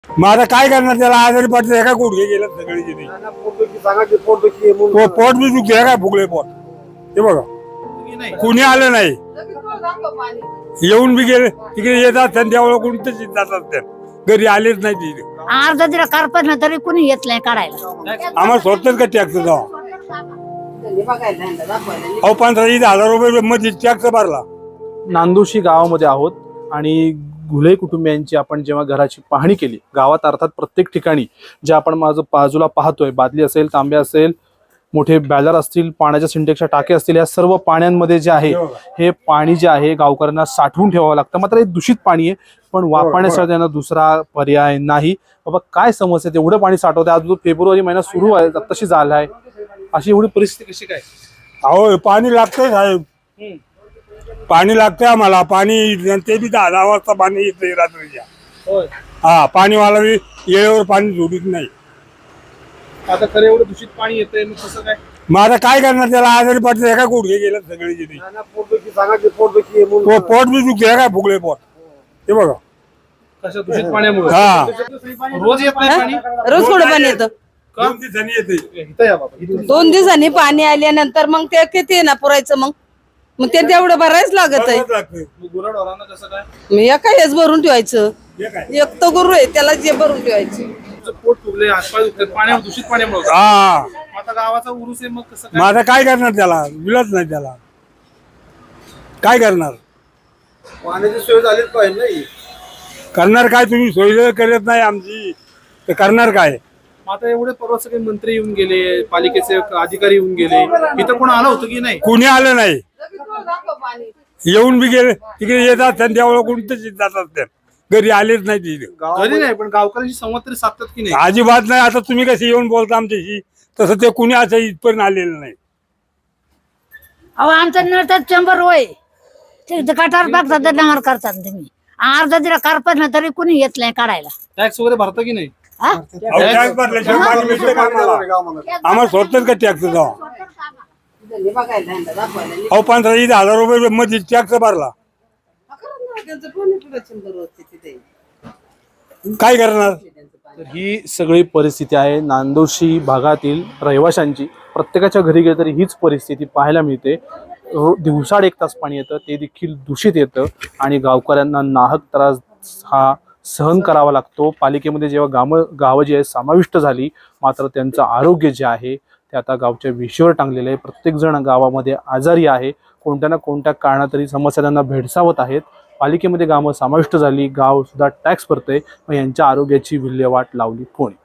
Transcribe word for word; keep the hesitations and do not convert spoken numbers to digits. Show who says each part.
Speaker 1: मग आता काय करणार त्याला आजारी पडतं एका गुडघे गेलं सगळे तिथे पोट बी दुखते काय फुगले पोट हे बघा कुणी आलं नाही येऊन बी गेले तिकडे येतात त्यावेळेला कोणतेच जातात त्या घरी आलेच नाही तिथे
Speaker 2: अर्धा जरा कारपत ना तरी कुणी येत नाही काढायला
Speaker 1: आम्हाला स्वतःच का टॅक्स जावा अहो पंधरा वीस हजार रुपये मध्ये टॅक्स भरला.
Speaker 3: नांदोशी गावामध्ये आहोत आणि घुले कुटुंबियांची आपण जेव्हा घराची पाहणी केली गावात अर्थात प्रत्येक ठिकाणी जे आपण माझं बाजूला पाहतोय बादली असेल तांबे असेल मोठे बॅलर असतील पाण्याच्या सिंटेक्सच्या टाके असतील या सर्व पाण्यांमध्ये जे आहे हे पाणी जे आहे गावकऱ्यांना साठवून ठेवावं लागतं मात्र हे दूषित पाणी आहे पण वापरण्यासाठी त्यांना दुसरा पर्याय नाही. बाबा काय समस्या एवढं पाणी साठवतं आज फेब्रुवारी महिना सुरू आहे तशी झाला आहे अशी एवढी परिस्थिती कशी काय.
Speaker 1: अहो पाणी लागतंय साहेब पाणी लागतंय आम्हाला पाणी ते बी दहा दहा वाजता पाणी येतंय रात्रीच्या हा पाणीवाला बी येळेवर पाणी जोडीत नाही.
Speaker 3: आता खरं एवढं दूषित पाणी येतंय मग कसं काय.
Speaker 1: मग आता काय करणार त्याला आजारी पडतं एका गुडघे गेलं सगळे तिथे पोट बी दुखते काय फुगले पोट हे बघा
Speaker 3: कशा दूषित पाण्यामुळे
Speaker 1: हा
Speaker 3: रोज येत नाही पाणी
Speaker 4: रोज थोडं पाणी येतं
Speaker 1: दोन दिवसांनी येते
Speaker 3: इथं या बाबा इथून
Speaker 4: दोन दिवसांनी पाणी आल्यानंतर मग ते किती आहे ना पुरायचं मग मग ते तेवढं भरायच लागत आहे.
Speaker 3: गुराढोरांना कसं काय
Speaker 4: मग एका हेच भरून ठेवायचं
Speaker 1: हे काय?
Speaker 4: एक तर गुरु आहे त्याला जे भरून ठेवायचं.
Speaker 3: तुमचं पोट फुगले हातपाय दुखतात पाण्यामुळे दूषित पाण्यामुळे
Speaker 1: हा
Speaker 3: आता गावाचा उरूस आहे मग कसं
Speaker 1: मग
Speaker 3: काय.
Speaker 1: आता काय करणार त्याला विलच नाही त्याला काय करणार
Speaker 5: पाण्याची सोय झालीच पाहिजे नाही.
Speaker 1: करणार काय तुम्ही सोय करत नाही आमची तर करणार काय.
Speaker 3: आता एवढे परवा सगळे मंत्री येऊन गेले पालिकेचे अधिकारी येऊन गेले इथं कोण आलं होतं की नाही.
Speaker 1: कुणी आलं नाही येऊन बी गेले तिकडे येतात त्यावेळेला कोणतेच जातात त्या घरी आलेच नाही तिथे
Speaker 3: घरी नाही पण गावकऱ्यांशी संवाद तरी साधतात की नाही.
Speaker 1: अजिबात नाही. आता तुम्ही कसे येऊन बोलता आमच्याशी तसं ते कुणी असं इथपर्यंत आलेलं नाही.
Speaker 2: अहो आमचं नळतात चंबर होय ते कटार टाकतात डंगर करतात तुम्ही अर्धा जरा कारपत ना तरी कुणी येत नाही काढायला
Speaker 3: टॅक्स वगैरे भरतं की नाही.
Speaker 2: हा?
Speaker 1: अहो, टॅक्स भरल्याशिवाय पाणी मिळतं का आम्हाला? आम्हाला स्वतःच का टॅक्स जावा अहो पंधरा वीस हजार रुपये मध्ये टॅक्स भरला काय करणार.
Speaker 3: तर ही सगळी परिस्थिती आहे नांदोशी भागातील रहिवाशांची. प्रत्येकाच्या घरी गेलं तरी हीच परिस्थिती पाहायला मिळते. रो- दिवसाड एक तास पाणी येतं ते देखील दूषित येतं आणि गावकऱ्यांना नाहक त्रास हा सहन करावा लागतो. पालिकेमध्ये जेव्हा गावं गावं जी आहेत समाविष्ट झाली मात्र त्यांचं आरोग्य जे आहे ते आता गावच्या विषयावर टांगलेलं आहे. प्रत्येकजण गावामध्ये आजारी आहे. कोणत्या ना कोणत्या कारणातरी समस्या त्यांना भेडसावत आहेत. पालिकेमध्ये गावं समाविष्ट झाली गाव सुद्धा टॅक्स भरतंय मग यांच्या आरोग्याची विल्हेवाट लावली कोणी.